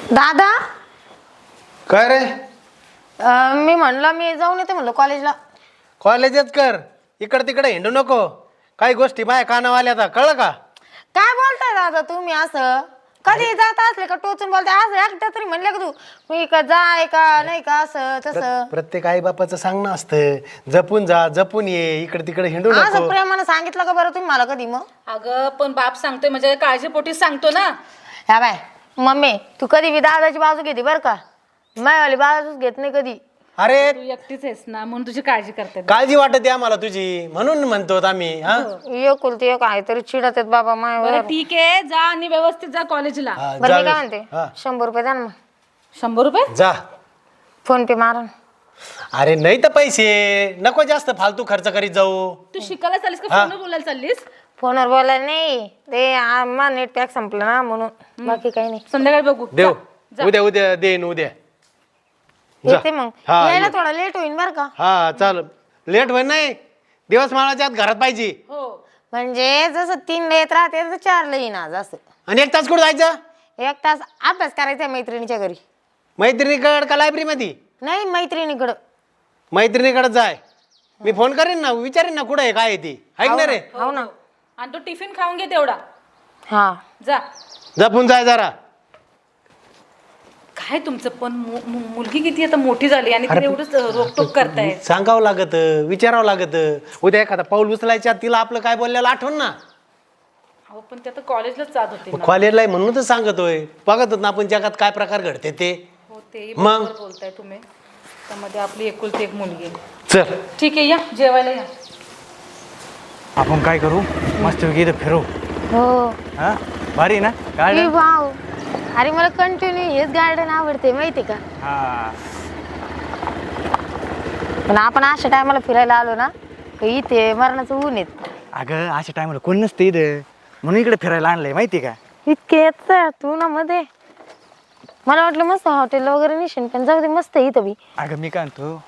दादा काय रे? मी म्हणलं मी जाऊन येते म्हणलं कॉलेजला. कॉलेजच कर, इकडे तिकडे हिंडू नको. काही गोष्टी माझ्या कानावर आल्या आता, कळलं का? काय बोलताय दादा तुम्ही असं? कधी जात असले का टोचून बोलताय असं एकदा तरी म्हणलं का तू मी का जाय का नाही का असं तसं? प्रत्येक आई बापाचं सांगणं असतं, जपून जा जपून ये, इकडे तिकडे हिंडू नको. असं प्रेमानं सांगितलं का बरं तुम्ही मला कधी? मग अगं पण बाप सांगतोय म्हणजे काळजीपोटी सांगतो ना. ह्या बाय मम्मी तू कधी बी दादाची बाजू घेते बरं का, मायवाली बाजूच घेत नाही कधी. अरे तू एकटीच आहेस ना म्हणून तुझी काळजी करते. काळजी वाटते आम्हाला तुझी, म्हणून म्हणतो आम्ही. हा एकुलती एक आहे तरी चिडत आहेत बाबा मायावर. बरं ठीक आहे, जा आणि व्यवस्थित जा कॉलेजला. हा, बरं मी जा. काय म्हणते, हा, 100 रुपये द्या ना मग. 100 रुपये? जा. फोन पे मारा. अरे नाही तर पैसे नको जास्त फालतू खर्च करीत जाऊ. तू शिकायला चाललीस का फोनवर बोलायला चाललीस? फोनवर बोलायला नाही, ते आम्हा नेट पॅक संपलं ना म्हणून, बाकी काही नाही. संध्याकाळी बघू. देव जा. उद्या उद्या देईन उद्या. जा. येते मग, हा, यायला ये. थोडा लेट होईल बरं का. हा चाल, लेट होईल नाही, दिवस माळाच्या आत घरात पाहिजे. हो. म्हणजे जसं 3 ला येत राहते तर 4 ला येईन आज असं. आणि 1 तास कुठं जायचं? 1 तास अभ्यास करायचा मैत्रिणीच्या घरी. मैत्रिणीकडे का लायब्ररी मध्ये? नाही मैत्रिणीकडं. मैत्रिणीकडे जाय, मी फोन करेन ना, विचारेन ना कुठं आहे काय आहे ती, ऐक ना रे. हो ना. आणि तू टिफिन खाऊन घे तेवढा. हा जा. जपून जाय जरा. काय तुमचं पण मुलगी किती आता मोठी झाली आणि तिने एवढंच रोकटोक करताय. सांगावं लागत, विचारावं लागत. उद्या एखादा पाऊल उचलायच्या आत तिला आपलं काय बोललेलं आठवण ना. अहो पण ते आता कॉलेजलाच जात होते ना. कॉलेजला आहे म्हणून तर सांगतोय, बघत होत ना आपण जगात काय प्रकार घडते ते. हो ते मग? बरोबर बोलताय तुम्ही. त्यामध्ये आपली एकुलती एक मुलगी आहे. चल ठीक आहे, या जेवायला या. आपण काय करू, मस्त इथं फिरू. हो. हा भारी ना ए गार्डन. वाव, अरे मला कंटिन्यू हेच गार्डन आवडते माहिती का. हा पण आपण अशा टायमाला फिरायला आलो ना तर इथे मरणाचं ऊन येत. अगं अशा टायमाला कोण नसतं इथं, म्हणून इकडे फिरायला आणलंय माहिती का. इतके येत तू ना मध्ये, मला वाटलं मस्त हॉटेल वगैरे निशन, पण जाऊ दे मस्त आहे इथं बी. अगं मी काय आणतो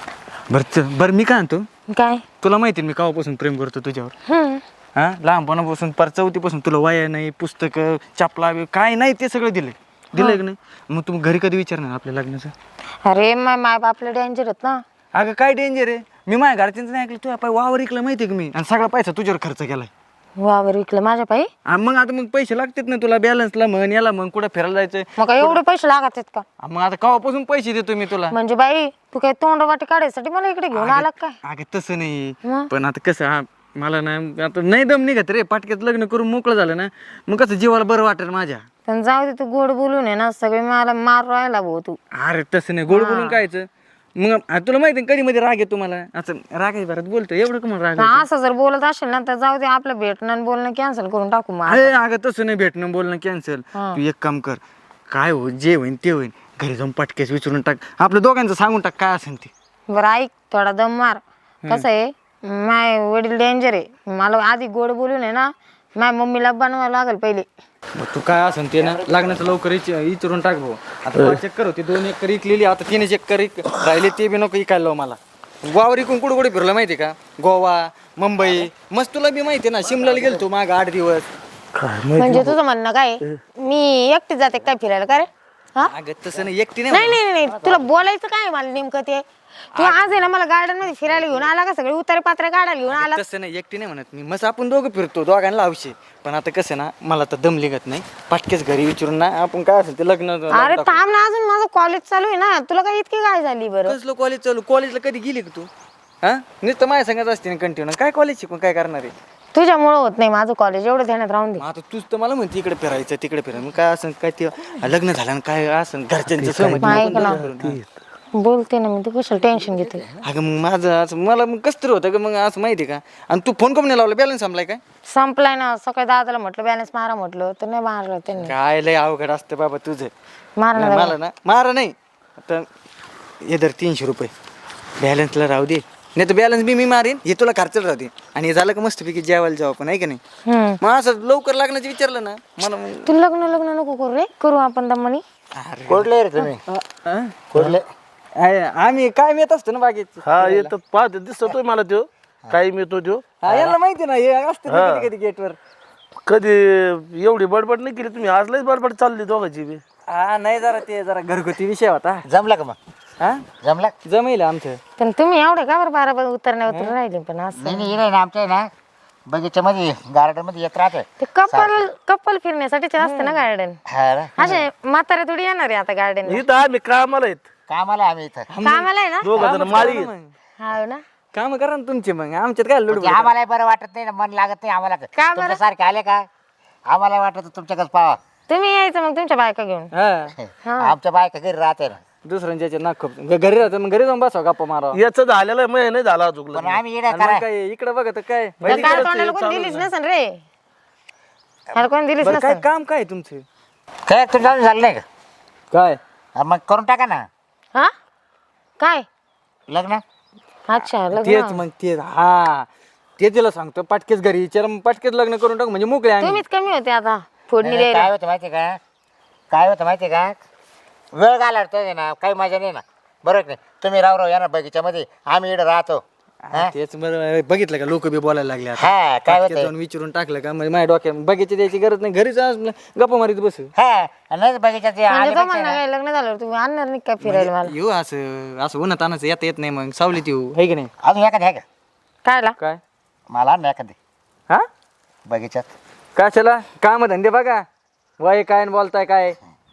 बरं मी काय आणतो, काय? तुला माहिती मी केव्हापासून प्रेम करतो तुझ्यावर. हा लहानपणापासून पर चौथीपासून तुला वया नाही, पुस्तकं चपला काय नाही ते सगळं दिलंय की नाही. मग तू घरी कधी विचारणार आपल्या लग्नाचं? अरे माय बापला डेंजर आहेत ना. अगं काय डेंजर आहे, मी माझ्या घरच्यांचं नाही ऐकलं, तुझ्या पाय वावर ऐकलं माहिती का मी, आणि सगळा पैसा तुझ्यावर खर्च केलाय. वावर विकलं माझ्या पायी. मग आता मग पैसे लागतात ना तुला, बॅलन्सला म्हण, याला मग कुठं फिरायला जायचं. मग काय एवढे पैसे लागत आहेत का? मग आता केव्हापासून पैसे देतो मी तुला. म्हणजे बाई तू काय तोंड वाटी काढायसाठी मला इकडे घेऊन आला काय? अगं तसं नाही, मग? पण आता कसं मला ना आता नाही दम निघत रे, पाटक्यात लग्न करून मोकळं झालं ना, मग कसं जीवाला बरं वाटेल माझ्या. पण जाऊ दे, तू गोड बोलून आहे ना सगळे मला मार राहिला भाऊ तू. अरे तसं नाही, गोड बोलून कायचं मग. तुला माहिती कधी मध्ये राग येतो मला, असं रागाय भरात बोलतो एवढं का मला राग येतो? असं जर बोलत असेल ना तर जाऊ दे, आपलं भेटणं आणि बोलणं कॅन्सल करून टाकू मग. अरे अगं तसं नाही, भेटणं बोलणं कॅन्सल. हा. तू एक काम कर, काय हो जे होईन ते होईन, घरी जाऊन पटकेस विचारून टाक, आपल्या दोघांचं सांगून टाक काय असेल ते. बरं ऐक, थोडा दम मार. कसं आहे, माय वडील डेंजर आहे, मला आधी गोड बोलून आहे ना माझ्या मम्मीला बनवावं लागेल पहिले. मग तू काय असेल ते ना लग्नाचं लवकर विचारून टाक भाऊ. आता 5 एकर होती, 2 एकर इकलेली, आता 3 एकर राहिले, ते बी नको इकायला लावू मला. वावर इकून कुठं कुठे फिरलं माहिती का, गोवा मुंबई मस्त, तुला बी माहिती ना, शिमल्याला गेलतो माग 8 दिवस. म्हणजे तुझं म्हणणं काय, मी एकटी जाते काय फिरायला का रे? हा? अगं तसं नाही, एकटी नाही. नाही नाही नाही, तुला बोलायचं काय मला नेमकं ते? तू आज आहे ना मला गार्डन मध्ये फिरायला घेऊन आला का, सगळे उतारे पात्रे काढायला घेऊन आला? तसं नाही, एकटी नाही म्हणत मी, मस्त आपण दोघं फिरतो, दोघांना लावशे. पण आता कसं ना, मला तर दम लिगत नाही, पाटकेच घरी विचारून ना आपण काय असेल ते लग्न. अरे थांब ना, अजून माझं कॉलेज चालू आहे ना, तुला काय इतकी काय झाली बरं? कसलं कॉलेज चालू, कॉलेजला कधी गेली का तू? हा नुसतं माझ्या सांगत असते ना कंटिन्यू, काय कॉलेज शिकून काय करणार आहे? तुझ्यामुळं होत नाही माझं कॉलेज, एवढं ध्यानात राहून दे. मग आता तूच तर मला म्हणते इकडे फिरायचं तिकडे फिरायचं, मग काय असं काय ते लग्न झालं आणि काय असं घरच्यांचं सहमती ऐक नको ना. दोघं करून. बोलते ना मी, तू कशाला टेन्शन घेते? अगं मग माझं असं मला मग कसं तरी होतं का, मग असं माहिती का. आणि तू फोन करून नाही लावला, बॅलन्स संपलाय काय? संपलाय ना, सकाळी दादाला म्हटलं बॅलन्स मारा, म्हटलं तर नाही मारलं त्यांनी. काय लय अवघड असतं बाबा तुझं. मारणार नाही, मला ना मारा नाही, आता हे धर 300 रुपये बॅलन्सला राहू दे, नाही तर बॅलन्स बी मी मारीन, हे तुला खर्चाला राहू दे, आणि हे झालं का मस्तपैकी जेवायला जाऊ आपण, आहे का नाही. मग असं लवकर लग्नाचं विचारलं ना मला मग. तू लग्न नको करू रे, करू आपण दमनी. कोडले रे तुम्ही? कोडले आम्ही काय येत असतो ना बागेत. हा येतात पाहते, दिसतोय मला तो काय मिळतो तो. याला माहिती ना, हे असते कधी कधी गेटवर. कधी एवढी बडबड नाही केली तुम्ही, आज लयच बडबड चालली दोघांची बी. हा नाही जरा घरगुती विषय होता. जमलं का मग? हा जमलं? जमेल आमचं. पण तुम्ही एवढे का बरं बारा उतरण्या उतरून राहिले पण असं नाही नाही इकडे ना आमच्या आहे ना बगीच्यामध्ये गार्डनमध्ये येत राहते. ते कपल फिरण्यासाठीच असते ना गार्डन. हा ना? असे म्हातारे थोडी येणार आहे आता गार्डन इथं आम्ही कामाला आहेत कामाला आम्ही इथं. कामाला आहे ना. दोघं जण माळी आहेत. हा ना. काम करा ना तुमचे मग आमच्यात काय लुड. म्हणजे आम्हाला बरं वाटत नाही ना मन लागत नाही आम्हाला. का बरं? तुमच्यासारखे आले का आम्हाला वाटत तुमच्याकडे पावा. तुम्ही यायचं मग तुमच्या बायका घेऊन. हा आमच्या बायका घरी राहते ना. दुसऱ्यांच्या नाक खप घरी राहतो मग घरी जाऊन बसवा गप्पा मारा. याचं झालेलं आहे, मग नाही झाला अजून पण आम्ही इकडे आणि करा मग काय इकडे बघा तर काय तर काल तोंडाला कोणी दिलीच नसेल रे. मला कोणी दिलीच बरं काय नसेल. काम काय तुमचं काय तुझं झालं नाही का? काय हा, मग करून टाका ना हा काय लग्न. अच्छा तेच लग्न. मग तेच हा ते तिला सांगतो पाटकेच घरी विचार मग पाटकेच लग्न करून टाक म्हणजे मोकळे आम्ही. तुम्हीच कमी होते आता फोडणी नाही, द्यायला. काय होतं माहिती का? काय होतं माहिती का? वेळ घालवतोय ना काही मजा नाही ना. बरोबर की नाही? तुम्ही राव या ना बगीच्यामध्ये आम्ही इकडे राहतो. हा? तेच बरं बघितलं का लोक बी बोलायला लागले आता. हा काय पाटक्यात होतंय? जाऊन विचारून टाकलं का म्हणजे माझ्या डोक्यात बगीचे द्यायची गरज नाही घरीच गप्पा मारीत बसू. हा नाही बगीच्यात म्हणजे आले तो म्हणणार काय लग्न झाल्यावर तुम्ही आणणार नाही काय फिरायला मला. येऊ असं उन्हात आणायचं येता येत नाही मग सावलीत येऊ है की नाही. अजून एखादी आहे का? कायला काय मला आण ना एखादी हा बगीच्यात. कशाला काम धंदे बघा वय काय न बोलताय काय.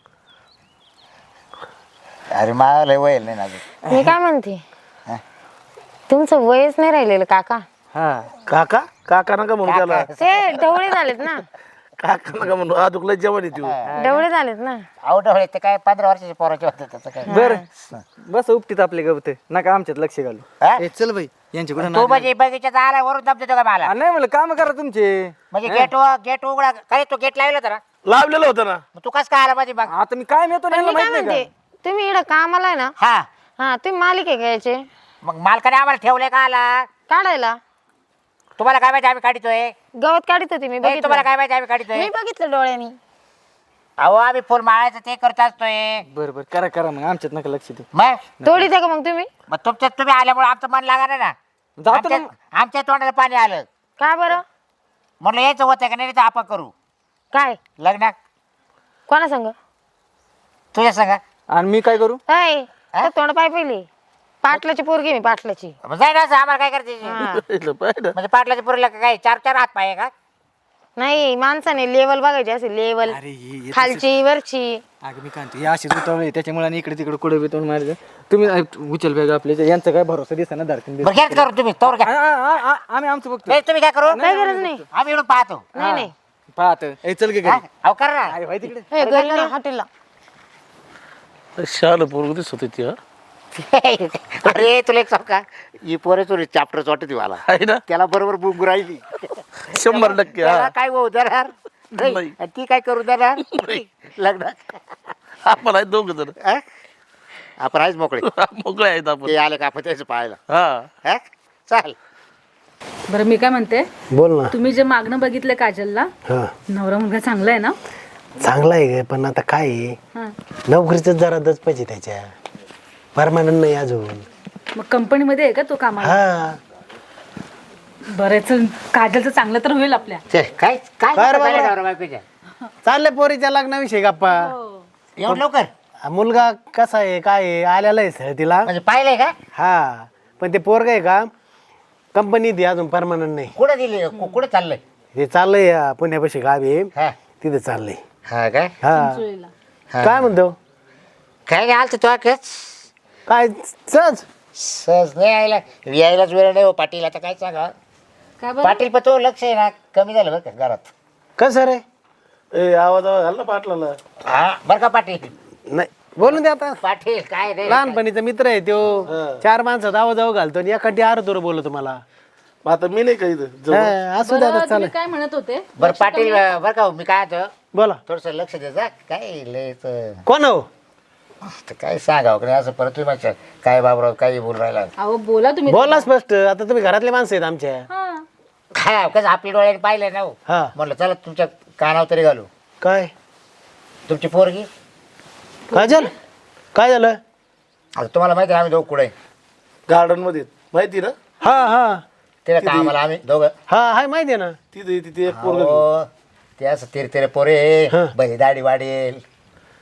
अरे मला लय वय नाही ना अजून. मी काय म्हणते तुमचं वयच नाही राहिलेलं काका. हा काका काका नका म्हणू त्याला. ते ढवळे झालेत ना. काका नका म्हणू अजून लय जेवण येते. ढवळे झालेत ना. आवडवळे ते काय 15 वर्षाचे पोराचे होते त्याचं काय. बर बस उपटीत आपले गवत नका आमच्यात लक्ष घालू. हा? ए, चल बाई यांच्या कुठं तू म्हणजे बगीच्यात आला वरून दम देतो का मला? नाही म्हणलं काम करा तुमचे. म्हणजे गेट उघडा काय तू गेट लावला होता ना लावलेलं होतं ना. मग तू कस काय आला माझी बघ. आता मी काय मिळतो पण मी काय माहित म्हणते नाही तुम्ही इकडं कामाला आहे ना. हा हा तुम्ही मालिक आहे घ्यायचे मग मालकाने आम्हाला ठेवलंय का आला? काढायला. तुम्हाला काय माहिती आम्ही काढतोय? गवत काढत होती मी नाही, तुम्हाला बघितलं. काय माहिती आम्ही काढतोय? मी बघितलं डोळ्यांनी. अहो आम्ही फुल माळायचं ते करत असतोय. बरं करा मग आमच्यात नका लक्ष दे. मग तोडी द्या का मग तुम्ही. मग तुमच्यात तुम्ही आल्यामुळे आमचं मन लागणार ना. जातो ना आमच्या तोंडाला पाणी आलं काय बरं म्हणलं यायचं होतं का नाही तर आपण करू काय लग्न कोणा सांग तुझ्या सांगा. आणि मी काय करू. तोंड पाय पहिली पाटलाची पोरगी मी पाटलाची. जाय ना असं आम्हाला काय करायचं? हा. पाहिलं म्हणजे पाटलाच्या पुरीला काय 4-4 हात पाय आहे का? नाही माणसाने लेवल बघायची असे लेवल अरे हे खालची वरची. अगं मी काय हे अशी उतवळे त्याच्यामुळे आणि इकडे तिकडे कुठे बितवून मारलं तुम्ही उचल बॅग आपल्या यांचा काय भरोसा दिसा ना धरतीन बरं घ्याच करू तुम्ही तोवर घ्या. आम्ही आमचं बघतो. नाही, तुम्ही काय करू काही गरज नाही. आम्ही इकडून पाहतो. नाही नाही पाहत चल गे हा? घरी. अहो कर ना. अरे भाई तिकडे हे घरी नाही हॉटेलला. शाल पोरग दिसत होती ती. हा अरे तुला एक सांग का ही पोरे तुरी चॅप्टर वाटते मला आहे ना त्याला बरोबर बुंग राहिली 100% त्याला हा. काय होऊ देणार नाही. नाही. आणि ती काय करू देणार लग्न. आपण आहे दोघ जण हा? आपण आहेच मोकळे मोकळे आहेत आपण. ते आले का आपण त्याचं पाहायला. हा हा? चाल बरं मी काय म्हणते बोल ना. तुम्ही जे मागणं बघितलं काजलला हा नवरा मुलगा चांगला आहे ना. चांगला आहे ग, पण आता काय आहे, हा नोकरीच जरा दच पाहिजे त्याच्या. परमानंट नाही अजून. मग कंपनीमध्ये आहे का तो कामाला. हा बरं चल काजलचं चांगलं तर होईल आपल्या. काय काय काय रे झालं बाबा? नवरा बायकोच्या? चाललंय पोरीच्या लग्नाविषयी गप्पा. एवढं लवकर हा मुलगा कसा आहे काय आहे, आलेला आहे सर तिला. म्हणजे पाहिलंय का? हा पण ते पोरग आहे का कंपनीत आहे, अजून परमानंट नाही. कुठं दिली कुठं चाललंय? ते चाललंय पुण्यापाशी गावी आहे, हा तिथे चाललंय. हा काय हा चिंचोळीला. काय म्हणतो काय नाही आलं तो काय सहज सहज नाही यायलाच वेळ नाही हो पाटील. आता काय सांगा काय बरं पाटील पण तो लक्ष आहे ना कमी झालं बरं का घरात. कसं रे. ए आवाज घाल ना पाटलाला. हा बरं का पाटील. नाही बोलून दे आता. पाटील काय रे लहानपणीचा मित्र आहे तो. 4 माणसात आवाज घालतो आणि एखादी आरतोर बोलतो मला. मग आता मी नाही काही हा, असू दे आता बरं, चालेल. तुम्ही काय म्हणत होते. बरं पाटील बरं का हो, मी काय होतो बोला. थोडस लक्ष द्यायचं काय लयच कोण हो. काय सांगावं का नाही असं परत तुम्ही माझ्या काय बाबराव काही बोल राहिला. अहो बोला तुम्ही. बोला स्पष्ट. आता तुम्ही घरातले माणसं आहेत आमच्या. हा काय कसं आपल्या डोळ्याने पाहिलं ना हो. हा म्हणलं चला तुमच्या कानावर तरी घालू. काय तुमची पोरगी काय झालं काय झालं. आता तुम्हाला माहिती आहे आम्ही दोघं कुठे गार्डन मध्ये माहिती ना. हा हा तिला कामाला आम्ही दोघं हा हाय माहिती आहे ना. तिथे तिथे एक पोरग हो, ते असं तेरे तेरे पोरे हा. बरी दाढी वाढेल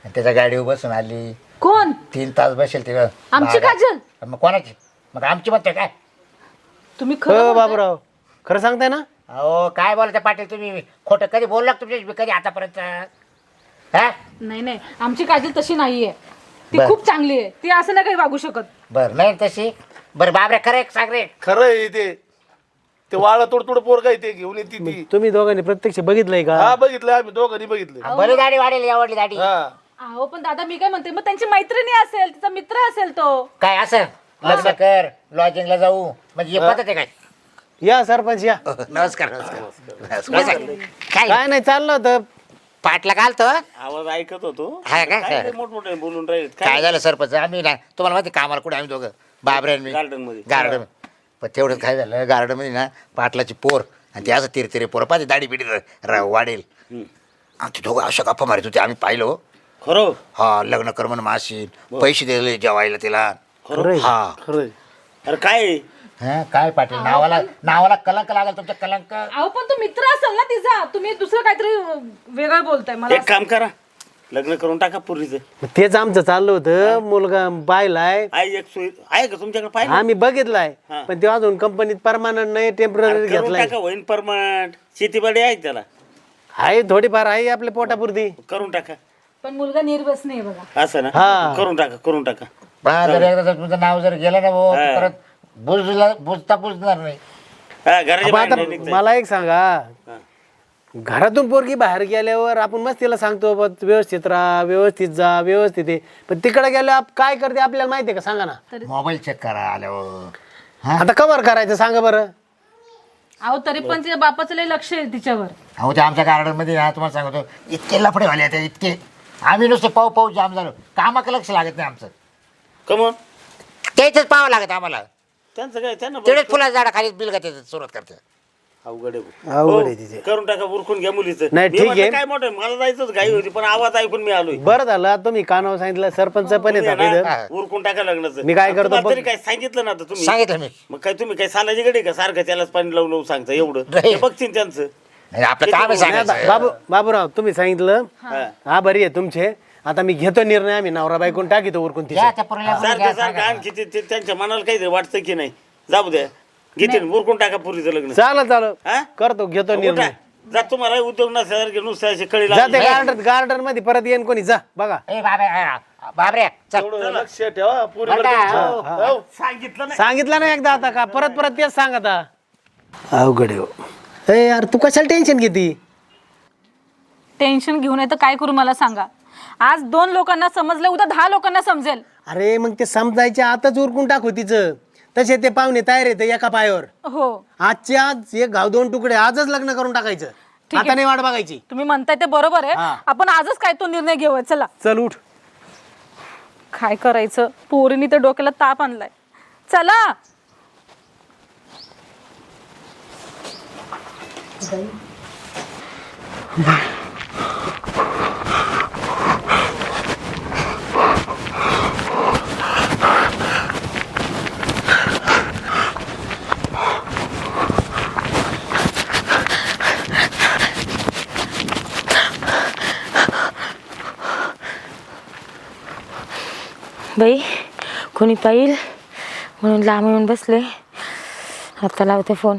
आणि त्याच्या गाडीवर बसून आली. कोण? 3 तास बसेल तिला. आमची काजल? मग कोणाची? मग आमची म्हणते काय? तुम्ही खरं हो बोलताय? बाबूराव खरं सांगताय ना? अहो काय बोलता पाटील तुम्ही? खोटं कधी बोलला तुमच्या कधी आतापर्यंत? हा नाही नाही, आमची काजल तशी नाहीये. ती बर. खूप चांगली आहे. ती असं नाही काही वागू शकत. बरं नाही तशी. बरं बाबरे खरं एक सांग रे. खरं आहे ते वाळा तोडतोड पोरगा आहे ते घेऊन येते ती. तुम्ही दोघांनी प्रत्यक्ष बघितलंय का? हा बघितलं आम्ही दोघांनी बघितलं. बरी दाढी वाढेल आवडली दाढी. हा अहो पण दादा मी काय म्हणते, मग त्यांची मैत्रिणी असेल, तिचा मित्र असेल तो. काय असं लग्न कर लॉजिंगला जाऊ म्हणजे हे पद्धत आहे काय? या सरपंच या. नमस्कार नमस्कार. काय काय नाही चाललं होतं. पाटला घालतो. आवाज ऐकत होतो. हा का? काय मोठमोठे बोलून राहिले काय झालं सरपंच? आम्ही ना तुम्हाला माहिती कामाला कुठे आम्ही दोघं बाबरे आणि मी गार्डन मध्ये. गार्डन. पण तेवढं काय झालं गार्डन मध्ये ना पाटलाची पोर आणि ते असं तिरतिरे पोर पाहिजे दाढी बिडी वाढेल. आणि ते दोघं अशा गप्पा मारित होते आम्ही पाहिलो. खरं हा लग्न कर म्हणून माशी पैसे दिले जेवायला तिला. हा खरं अरे काय हा काय पाटील नावाला कलंक लागेल तुमच्या कलंक. अहो पण तो मित्र असेल ना तिचा. तुम्ही दुसरं काहीतरी वेगळं बोलताय मला. एक काम करा लग्न करून टाका पूर्वीच. तेच आमचं चाललं होतं. मुलगा पाहिलाय आई एक सोय आहे का तुमच्याकडे? पाहिजे आम्ही बघितलाय हा. पण ते अजून कंपनीत परमानंट नाही टेम्पररी करून घेतलाय. टाका होईन परमनंट. शेतीबाडी आहे त्याला आहे थोडीफार आहे आपल्या पोटापुरती. करून टाका. पण मुलगा निर्व्यसनी आहे बघा. असं ना हा. करून टाका. पण जर एकदा जर तुमचं नाव जर गेलं ना भाऊ हा. परत बुजणार नाही. हा, घराच्या अब बाहेर आता नाही निघता मला एक सांगा हा. घरातून पोरगी बाहेर गेल्यावर आपण मस्त तिला सांगतो बा, व्यवस्थित राहा व्यवस्थित जा व्यवस्थित आहे. पण तिकडे गेल्यावर काय करते आपल्याला माहिती आहे का? सांगा ना. मोबाईल चेक करा आल्यावर. आता कवर करायचं सांगा बरं. अहो तरी पण तिच्या बापाचं लय लक्ष आहे तिच्यावर. अहो ते आमच्या गार्डन मध्ये ना तुम्हाला सांगतो इतके लफडे वाले आहेत इतके. आम्ही नुसते पाऊ जाम झालो. कामाकडे लक्ष लागत नाही आमचं. कमन त्याच पाहावं लागत आम्हाला. त्यांचं काय त्यांना तेवढेच फुलाच्या झाडा खाली बिल का सुरुवात करते. अवघड आहे. अवघड आहे हो, तिचे. करून टाका उरकून घ्या मुलीचं. नाही, मी ठीक म्हटलं आहे. काय मोठं आहे, मला जायचंच घाई होती पण आवाज ऐकून मी आलोय. बरं झालं आता तुम्ही कानावर सांगितलं. सरपंच पण तुम्ही येतात आहे इथं. ना, उरकून टाका लग्नाचं. मी काय करतो तुम्हाला बघ. तरी काय सांगितलं ना आता तुम्ही? सांगितलं मी. मग काय तुम्ही काय सालाची गडी का सारखं त्यालाच पाणी लावून सांगता एवढं? नाही. ते बघतील त्यांचं. नाही, आपलं काम आहे सांगायचं. बाबूराव तुम्ही सांगितलं हा. हा बरी आहे तुमचे. आता मी घेतो निर्णय. आम्ही नवरा बायकून टाकीतो उरकून या तिच्या. त्या पोरीला बोलून सारखं घ्या, सारखं सांगा. आणखी ते त्यांच्या मनाला काहीतरी वाटतं की नाही. जाऊ द्या घेतील उरकून टाका पुरीचं लग्न. चालेल हा? करतो घेतो निर्णय. उठा. जा तुम्हाला उद्योग नसासारखे नुसते असे कळी जाते लागले. गार्डन मध्ये परत येईन कोणी. जा बघा. ए बाबरे चल. हो, लक्ष ठेवा पुरीवर बरं का? तुमच्या. हो. सांगितलं नाही. सांगितलं ना एकदा आता का परत तेच सांग आता. अवघड आहे हो. ए यार तू कशाला टेन्शन घेती? टेन्शन घेऊन येतं काय करू मला सांगा. आज 2 लोकांना समजलं, उद्या 10 लोकांना समजेल. अरे मग ते समजायच्या आताच उरकून टाकू तिचं. तसे ते पाहुणे तयार येते एका पायावर. हो आजचे आज एक घाव 2 तुकडे आजच लग्न करून टाकायचं. ठीक आहे. आता नाही वाट बघायची. तुम्ही म्हणताय ते बरोबर आहे. हा. आपण आजच काय तो निर्णय घेऊया. चला चल उठ. काय करायचं. पोरीनी तर डोक्याला ताप आणलाय. चला बाई कोणी पाहिल म्हणून लांब येऊन बसले. आता लावते फोन.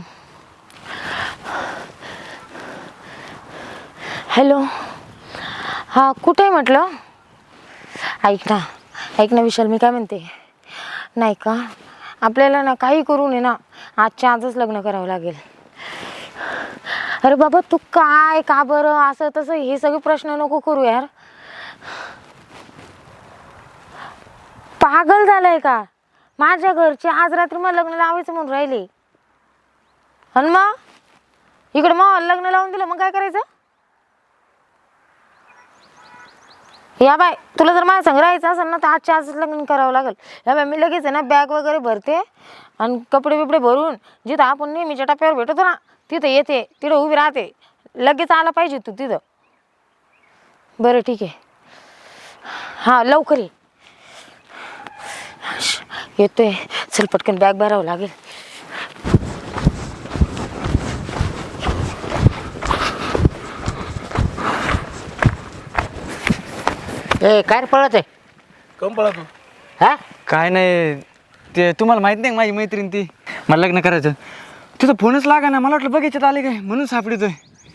हॅलो हां कुठे आहे म्हटलं? ऐक ना विशाल मी काय म्हणते नाही का आपल्याला ना काही करू नये ना आजच्या आजच लग्न करावं लागेल. अरे बाबा तू काय का बरं असं तसं हे सगळे प्रश्न नको करू यार. पागल झालाय का? माझ्या घरचे आज रात्री मला लग्न लावायचं म्हणून राहिले आणि मग इकडे मग लग्न लावून दिलं मग काय करायचं? या बाय तुला जर माझ्या संग राहायचं असेल ना तर आजच्या आजच लग्न करावं लागेल. या बाय मी लगेच आहे ना बॅग वगैरे भरते आणि कपडे बिपडे भरून जिथं आपण नेहमीच्या टप्प्यावर भेटतो ना तिथं येते. तिथं उभी राहते. लगेच आला पाहिजे तू तिथं. बरं ठीक आहे. हां लवकर ये. येतोय. चल पटकन बॅग भरावं लागेल. ए काय रे पळत आहे कम पळा तू हा काय नाही ते तुम्हाला माहित नाही का माझी मैत्रीण ती मला लग्न करायचं तिथं फोनच लागा ना मला वाटलं बघायच्यात आले काय म्हणून सापडतोय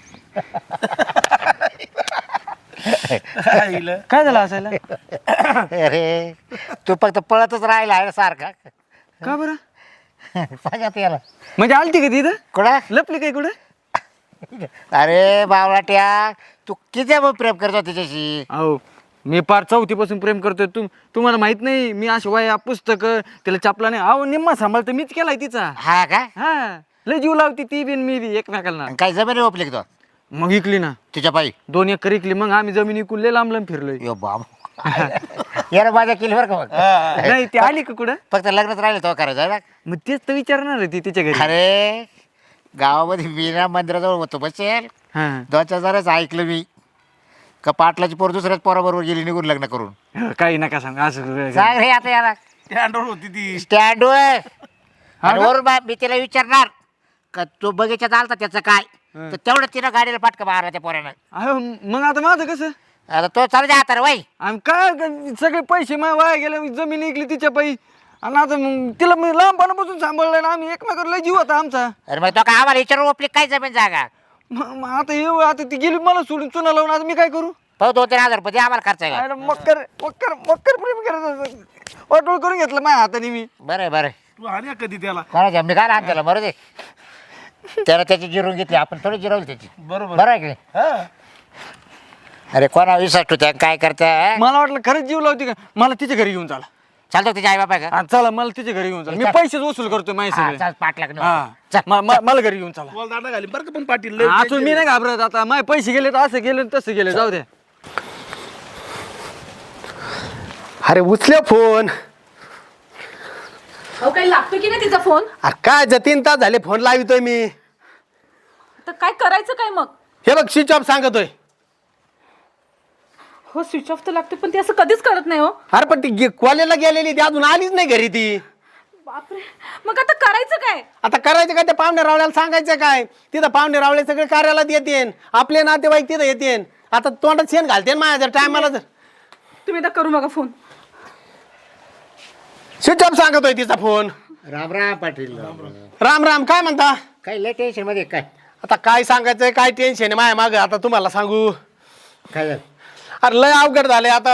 काय झालं असायला अरे तू फक्त पळतच राहिला आहे सारखा का बरं सांगा याला म्हणजे आलती का तिथं कुठं लपली काय कुठं अरे बावलाट्या तू किती प्रेम करतो तिच्याशी अहो मी पार चौथीपासून प्रेम करतोय तुम्हाला माहित नाही मी अशी वया पुस्तकं तिला चापला नाही अहो निम्मा सांभाळतो मीच केलाय तिचा हा का हा लय जीव लावती ती बिन मी बी एकमेकाला आणि काय जमिनी ओपली का तो मग इकली ना तिच्या पायी 2 एकर इकली मग आम्ही जमीन इकून लय लांब लांब फिरलोय यो बाब याला माझ्या केली बरं का मग नाही ती आली का कुठं फक्त लग्नच राहिलं तो करायचं आहे ना मग तेच तर विचारणार आहे ती तिच्या घरी अरे गावामध्ये मीना मंदिराजवळ होतो बसेल हा 2,000 ऐकलं मी का पाटलाची पोर दुसऱ्याच पोराबरोबर गेली निघून लग्न करून काही नका सांग असं सांग रे आता याला स्टँडवर होती ती स्टँड वरून मी तिला विचारणार का तू बगीच्यात आलता त्याचं काय तर तेवढं तिनं गाडीला पाटका मारला त्या पोरानं अहो मग आता माझं कसं आता तो चालू द्या आता रे वय आणि काय सगळे पैसे माझ्या वाया गेले जमीन इकली तिच्या पायी आणि आता मग तिला मी लहानपणापासून सांभाळलं ना आम्ही एकमेकाला लय जीव होता आमचा अरे मग तो का आम्हाला विचारून ओपली काय जमीन जागा मग आता येऊ आता ती गेली मला सोडून चुना लावून आता मी काय करू पाहू 2-3 हजार रुपये आम्हाला खर्च आहे अरे मक्कर मक्कर मक्कर प्रेम करायचं वाटोळ करून घेतलं माझ्या हाताने मी बरं बरं तू आणि कधी त्याला कोणाच्या मी काय लहान त्याला बरं दे त्यानं त्याची जिरून घेतली आपण थोडी जिरवली त्याची बरोबर बरं आहे की नाही? हा अरे कोणा विश्वास ठेवत्या काय करताय मला वाटलं खरंच जीव लावते का मला तिच्या घरी घेऊन चला चालतो तिच्या आई बापा का हा, चला मला तिच्या घरी घेऊन चला मी पैसेच वसूल करतोय माझे हा, सगळे चल 5 लाख हा चल मला घरी घेऊन चला बोल दांडा घाली बरं का पण पाटील लय अजून मी नाही घाबरत आता माझे पैसे गेले तर असं गेले तसं गेले जाऊ द्या अरे उचल्या फोन अहो काही लागतो की नाही तिचा फोन अरे काय 3 तास झाले फोन लावितोय मी तर काय करायचं काय मग हे बघ स्विच ऑफ सांगतोय हो स्विच ऑफ तर लागतो पण ती असं कधीच करत नाही हो अरे पण ती कॉलेजला गेलेली ती अजून आलीच नाही घरी ती बापरे मग आता करायचं काय आता करायचं काय त्या पाहुणे रावळ्याला सांगायचं काय तिथं पाहुणे रावळे सगळे कार्यालयात येतेन आपले नातेवाईक तिथं येतेन आता तोंडात शेण घालते माझ्या जर टायमाला जर तुम्ही आता करू नका फोन स्विच ऑफ सांगतोय तिचा फोन राम राम पाटील राम राम काय म्हणता काय लय टेन्शन मध्ये काय आता काय सांगायचंय काय टेन्शन आहे माझ्या मागं आता तुम्हाला सांगू काय झालं अरे लय अवघड झाले आता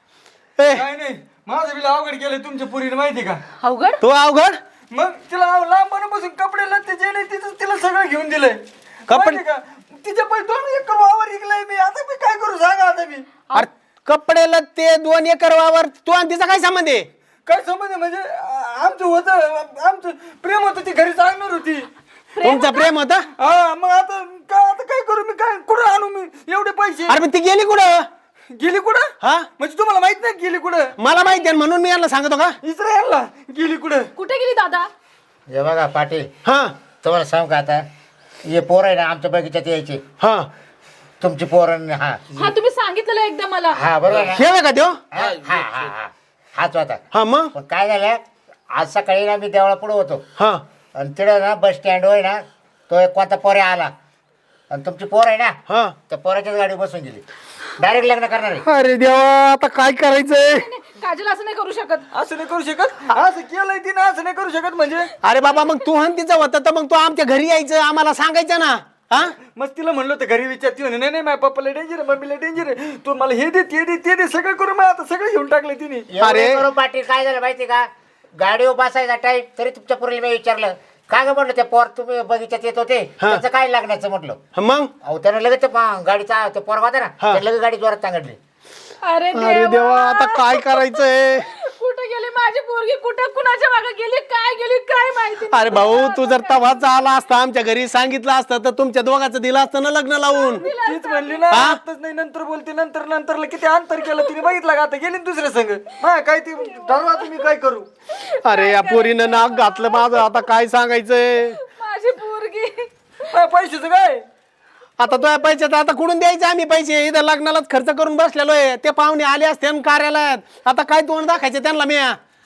ए काय नाही माझं बिल अवघड केलंय तुमच्या पुरीने माहिती का अवघड तू अवघड मग तिला लहानपणापासून कपडे लत्ते गेले तिला सगळं घेऊन दिलंय कपडे- माहिती का तिच्या पण 2 एकर वावर विकलाय मी आता मी काय करू सांगा आता मी अरे कपडे ते 2 एकर वावर तू आणि तिचा काय संबंध आहे काय समज म्हणजे आमचं होतं आमचं प्रेम होतं ती घरी सांगणार होती तुमचं प्रेम होतं हा मग आता काय करू मी काय कुठं आणू मी एवढे पैसे अरे पण ती गेली कुठं गेली कुठं हा म्हणजे तुम्हाला माहित नाही गेली कुठं मला माहिती आहे म्हणून मी यांना सांगतो का इस्रायलला गेली कुठं कुठे गेली दादा हे बघा पाटील हा तुम्हाला सांगू का आता हे पोर आहे ना आमच्या बगीच्यात यायचे हा तुमची पोरण हा हा तुम्ही सांगितलेलं एकदा मला हा बरोबर ना? हे आहे का त्यो हा हा हा हा हाच होता हा मग पण काय झालं आज सकाळी ना मी देवळा पुढे होतो हा आणि तिथं ना बस स्टँडवर आहे ना तो एक कोणता पोऱ्या आला आणि तुमची पोर आहे ना हा त्या पोराच्याच गाडी बसून गेली डायरेक्ट लग्न करणार आहे अरे देवा आता काय करायचंय काजल असं नाही करू शकत असं नाही करू शकत असं केलंय तिने असं नाही करू शकत म्हणजे अरे बाबा मग तू हन तिचं होतं तर मग तू आमच्या घरी यायचं आम्हाला सांगायचं ना हा मग तिला म्हणलं होतं घरी विचारती म्हणे नाही माझ्या पप्पाला डेंजर आहे मम्मीला डेंजर आहे तू मला हे दे ते दे ते दे सगळं करून मग आता सगळं घेऊन टाकलं तिने अरे अरे. करू पाटील काय झालं माहिती का गाडीवर बसायचा टाईम तरी तुमच्या पोरीला मी विचारलं काय ग म्हटलं ते पोर तुम्ही बगीच्यात येत होते त्याचं काय लागण्याचं म्हटलं मग अहो त्यानं लगेच ते गाडीचा तो पोरगा होता ना हा. त्यानं लगेच गाडी जोरात सांगितली अरे अरे देवा आता काय करायचंय कुठे गेली माझी पोरगी कुठे कुणाच्या मागे गेली काय माहिती नाही अरे भाऊ मला. तू जर तवाच आला असता आमच्या घरी सांगितलं असतं तर तुमच्या दोघांचं दिलं असतं ना लग्न लावून तीच म्हणली ना हा? आताच नाही नंतर बोलते नंतरला किती अंतर केलं तिने बघितलं का आता गेली ना दुसऱ्या संघ हा काय ती ठरवा तुम्ही काय करू अरे या पोरीनं नाक घातलं माझं आता काय सांगायचंय माझी पोरगी पैशाचं काय आता तो पैशाचं आता कुठून द्यायचे आम्ही पैसे इथं लग्नालाच खर्च करून बसलेलो आहे ते पाहुणे आले असते आणि कार्यालयात आता काय तोंड दाखायचे त्यांना मी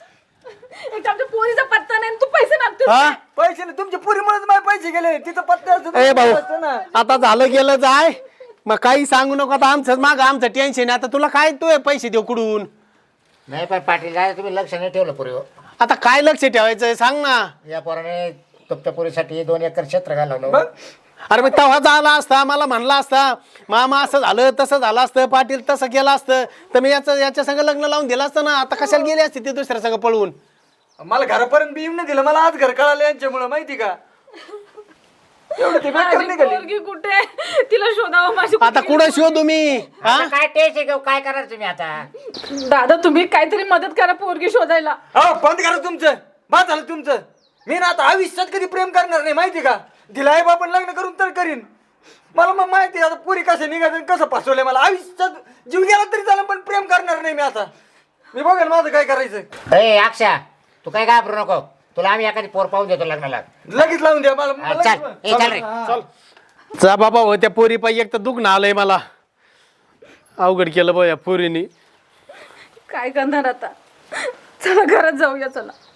एक आमच्या पोरीचा पत्ता नाही आणि तू पैसे मागतो हा पैसे नाही तुमच्या पुरीमुळेच माझे पैसे गेले तिथं पत्ते असतं ए तर भाऊ असतं ना आता झालं गेलं जाय मग काही सांगू नको आता आमचं माग आमचं टेन्शन आहे. आता तुला काय तू पैसे देऊ कुठून? नाही पण पाटील काय तुम्ही लक्ष नाही ठेवलं पुरी. आता काय लक्ष ठेवायचं सांग ना. या पोराने तुमच्या पुरीसाठी 2 एकर क्षेत्र घालवलं. अरे मग तेव्हा झाला असता, मला म्हणला असता मामा असं झालं तसं झालं असतं, पाटील तसं केलं असतं तर मी याच्या संग लग्न लावून दिलं असतं ना. आता कशाला गेली असते ते दुसऱ्या संग पळवून? मला घरापर्यंत बी येऊन नाही दिलं. मला आज घर कळालं यांच्यामुळे माहिती का. एवढं ते बेकार माझी निघाली. पोरगी कुठे आहे? तिला शोधावं माझी आता कुठं शोधू मी? आता काय टेन्शन घेऊ, काय करणार तुम्ही आता? दादा तुम्ही काहीतरी मदत करा पोरगी शोधायला. हो बंद करा तुमचं. बाद झालं तुमचं. मी ना आता आयुष्यात कधी प्रेम करणार नाही माहिती का. दिला आई बापन लग्न करून तर करीन. मला मग माहिती आहे आता पुरी कसं निघायचं कसं फसवलंय मला. आयुष्यात जीव गेला तरी चालेल पण प्रेम करणार नाही मी आता. मी बघेल माझं काय करायचं. ए अक्षा तू काय घाबरू नको, तुला आम्ही एखादी पोर पाहून देतो लग्नाला. लगेच लावून द्या मला. हा, चल ए चल रे. जा बाबा हो, त्या पोरी पायी एक तर दुखणं आलंय मला. अवघड केलं बा या पोरीनी. काय करणार आता? चला घरात जाऊया चला.